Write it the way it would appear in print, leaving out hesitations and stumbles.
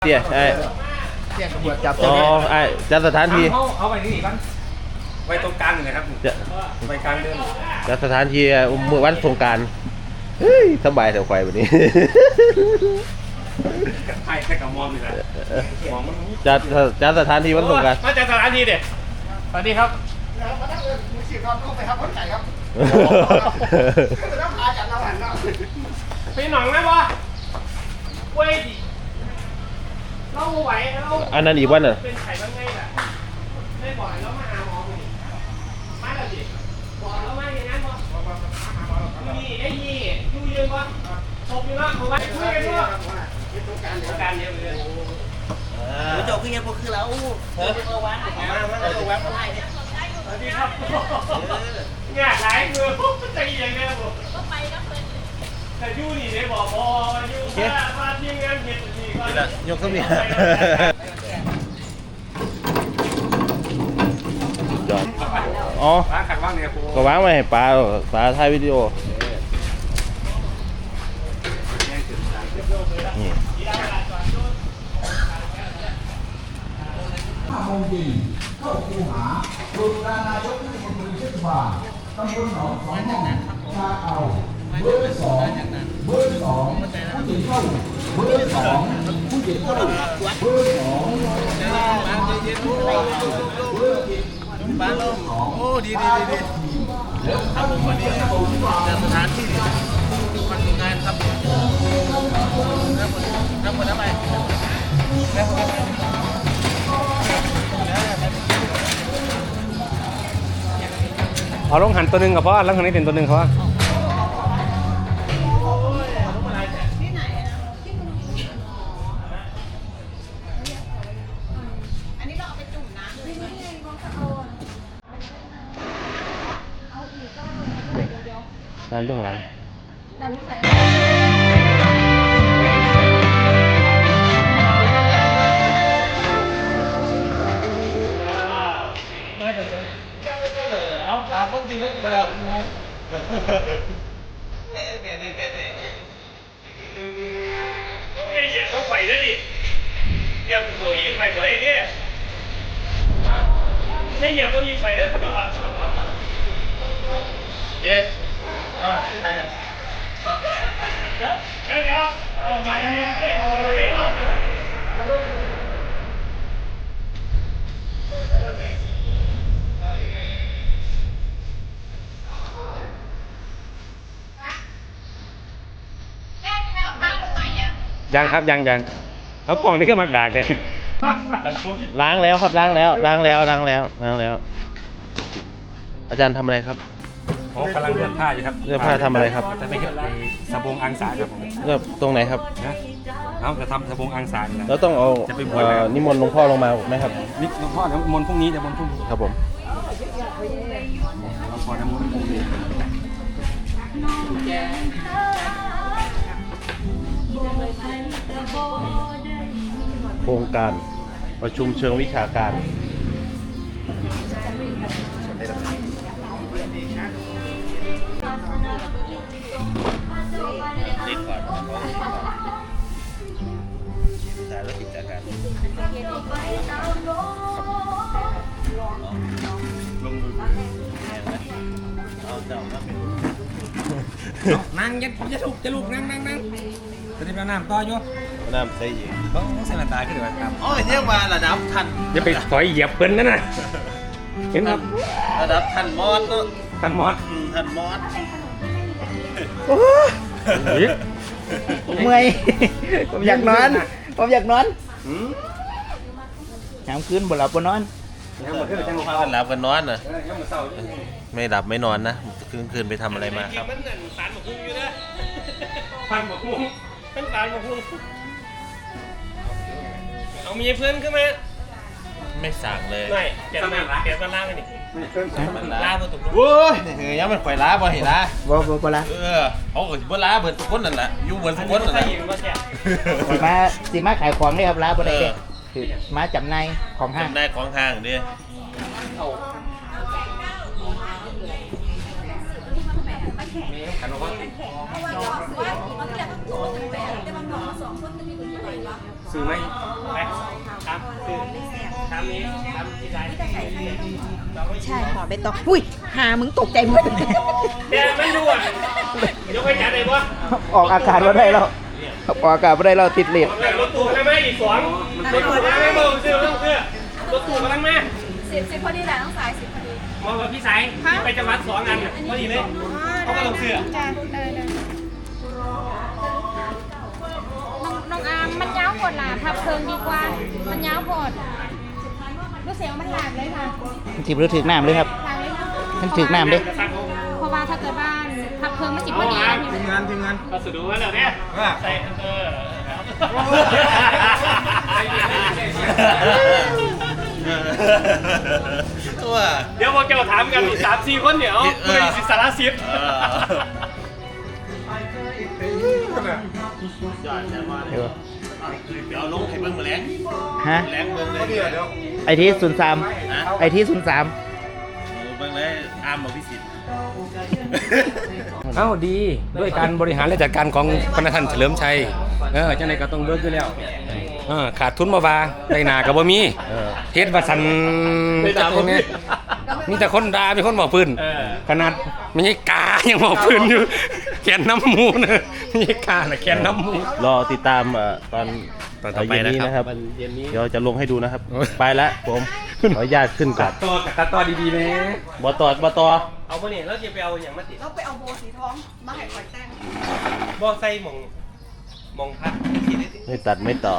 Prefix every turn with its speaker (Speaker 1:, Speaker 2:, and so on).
Speaker 1: เตี้ยไอ้
Speaker 2: เตี้ยตำรวจจับ
Speaker 1: อ๋อไอ้จัดสถานที่
Speaker 3: เอาไปที่นี่บ้างไว้ตรงกลางเลยครับไว้กลางเดิน
Speaker 1: จัดสถานที่เมื่อวันสงกรานต์เฮ้ยสบายแถวควายวันนี้
Speaker 3: ไพ่แค่กับมองนี่แหละมองมัน
Speaker 1: จัดสถานที่วันสงกรานต์
Speaker 3: มาจัดสถานที่เด็ดสวัสดีครับ
Speaker 2: มาตั้งมือฉีดนอนต้องไปครับคนไก่ครับต้องพาจัดเราหันเนาะ
Speaker 3: พี่หน่องไหมวะเว้ยดิเราไหวเรา
Speaker 1: อันนั้นอีกวันน่ะ
Speaker 3: เป็นไข่บ้างไงล่ะไม่บ่อยแล้วมาหาหมอกูดิมาแล้วดิบอกแล้วมาอย่างนั้นบ่นี่ไอ้ยี่ยูยืนวะตบอยู่นะผมไปคุยกันด้วยการเดียวเลย
Speaker 2: เจ้าคือยังพวกคือเราเอาวันเอาวันอะไรเนี่ย
Speaker 3: สวัสดีครับงานหลายมือใจยังไงผมแต่ยูนี่ได้บอกพอยูมาทีมงานเห็ดนี่ก็
Speaker 1: ยกขึ้นเนี่ยจอดอ๋อ
Speaker 3: ร้านขัดว่างเนี่ยครู
Speaker 1: ก็วางไว้ให้ปลาถ่ายวิดีโอนี่
Speaker 4: 5 โมงเย็นเข้าคูหาดูรานายกเทศมนตรีเทศบาลตำบลหนองสองห้องชาเอาเบอร์ 2ผู้หญิงเข้าเบอร์ 2ผู้หญิงเข้าเบอร์ 2เบอร์
Speaker 2: บ้านลมโอ้ดีครับผมวันนี้จะสถานที่มันทำงานครับรับหมดทำไม
Speaker 3: เอาลงหันตัวหนึ่งกับพ่อแล้วทางนี้เป็นตัวหนึ่งเขาว่า
Speaker 1: ร้านเรื่องอะไร
Speaker 2: เอาถามบางทีแล้วแบบงง
Speaker 3: ต้องไปแล้วดิเดี๋ยวตัวยิงไปตัวเองเนี่ยไม่เหยียบตัวยิงไปแล้ว
Speaker 2: เย้
Speaker 3: ยังครับยังเอากล่องนี่ขึ้นมาด่าเลย
Speaker 1: ล้างแล้วครับล้างแล้วอาจารย์ทำอะไรครับ
Speaker 3: กำลังเลือกผ้าอยู่ครับ
Speaker 1: เลือกผ้าทำอะไรครับ
Speaker 3: จะไปเก็บสบงอังสาครับผม
Speaker 1: เลือกตรงไหนครับ
Speaker 3: เอาจะทำสบงอังสา
Speaker 1: แล้วต้องเอานิมนต์หลวงพ่อลงมาไหมครับ
Speaker 3: นิหลวงพ่อเดี๋ยวมนต์พรุ่งนี้เดี๋ยวมนต์พรุ่งนี้
Speaker 1: ครับผม
Speaker 3: หลวงพ่อน้ำมนต์พรุ่งนี้
Speaker 1: โครงการประชุมเชิงวิชาการติดก่อนสายรถติดจากการลงมือเอาเจ้ามาเป็น
Speaker 3: นั่งจะลุกนั่งจะได้น้ำต่ออยู่
Speaker 1: น้ำใส่ยิง
Speaker 3: ต้องใส่หน้าตาขึ้นด้วยครับ
Speaker 1: โอ้ยเรียกว่าระดับทัน
Speaker 3: อย่าไปถอยเหยียบเปิ้ลนั่นน่ะเห็นครับ
Speaker 1: ระดับทันมอสเนาะ
Speaker 3: ทันมอส
Speaker 2: ผมเมื่อยผมอยากนอนน้ำคืนบ่หลับบ่นอน
Speaker 1: หลับกันนอนน่ะไม่หลับไม่นอนนะคืนไปทำอะไรมาครับ
Speaker 3: ฟันหมกมุ้งเป็นฟันหมกมุ้งเอามีเพื่อนขึ้นมา
Speaker 1: ไม่สั่งเลย
Speaker 3: ไม่เปลี่ยนมาล่างกันดิล่าบนตุก
Speaker 1: โว้ยยังมันข่อยล้าบ่เห็นล้า
Speaker 2: บ่ล้า
Speaker 1: เขาก็บ่ล้าเบิดทุกคนนั่นแหละอยู่เบิดทุกคนนั่นแหละ
Speaker 2: มาขายของได้ครับล้าบ่ได้คือมาจำในของห้าง
Speaker 1: จำได้ของห้างดิ
Speaker 3: ขันว่าซื้อไหมไปครับซื้อทำนี้ทำที่ไหน
Speaker 5: ใช่ห่อใบตองอุ้ยหามึงตกใจหมด
Speaker 3: เดี๋ยวไม่รู้อ่ะยกไปจัดเลยปะ
Speaker 2: ออกอากาศมาได้แล้วออกอากาศมาได้แล้วติดเลท
Speaker 3: รถตู้กันไหมอีกสองรถตู้กันไหมบอกซื้อเรื่องเสื้อรถตู้กันไหม
Speaker 5: สิบพอดีแหละต้องสาย10พอดี
Speaker 3: มองว่าพี่สายไปจังหวัด2 อันพอดีเลยเขาก็ลงเสื้อ
Speaker 5: จ้าน้องอาร์มมันยาวปวดหลาทับเพิงดีกว่า มันยาวปวดรู้เสียงมันหลาบเลยค่ะ
Speaker 2: จิบหรือถึกน้ำเลยครับ
Speaker 5: หลาบเลยค่ะ
Speaker 2: มันถึกน้ำเด้
Speaker 5: เพราะว่าถ้าเกิดบ้านทับเพิงมันจิบพอดี
Speaker 3: ทีมงานก็สุดดูว่าเนี่ยใส่
Speaker 1: ตัว
Speaker 3: เดี๋ยวพอแกถามกันอีก3-4 คนเนี่ยไม่ได้สิสารสิทธิ์
Speaker 1: ยอดแน่นอนเดี๋ยวลงให้เบิ่งมาแล้ง
Speaker 2: ฮะ
Speaker 1: แล้งเบิ่งเลย
Speaker 2: ไอที่03ไอที่03
Speaker 1: เบิ่งเลยอามบอกพิสิทธิ์
Speaker 6: เอ้าดีด้วยการบริหารและจัดการของพระท่านเฉลิมชัยจังไดก็ต้องเบิกอยู่แล้วขาดทุนบ่ว่าได้หน้าก็บ่มีเฮ็ดว่าซั่นจังได๋มีแต่คนด่ามีคนบอกปืนขนาดไม่ใช่กายังบอกปืนอยู่แขนน้ำหมูนะไม่ใช่กาน่ะแขนน้ำหมู
Speaker 1: รอติดตามตอน
Speaker 6: ตอนต่อไป
Speaker 1: เย็นนี้
Speaker 6: นะครับ
Speaker 1: เดี๋ยวจะลงให้ดูนะครับ ไปแล้วผมขออนุญาตขึ้นก่อน
Speaker 6: ตัดต่อดีๆนะ
Speaker 1: บอต่อ
Speaker 3: เอาไปเนี่ยแล้วจะไปเอาอย่างมาติด
Speaker 5: เราไปเอาโบสีทองมาให้คอยแต่ง
Speaker 3: บ่ใส่หมองพัด
Speaker 1: ไม่ตัดไม่ต่อ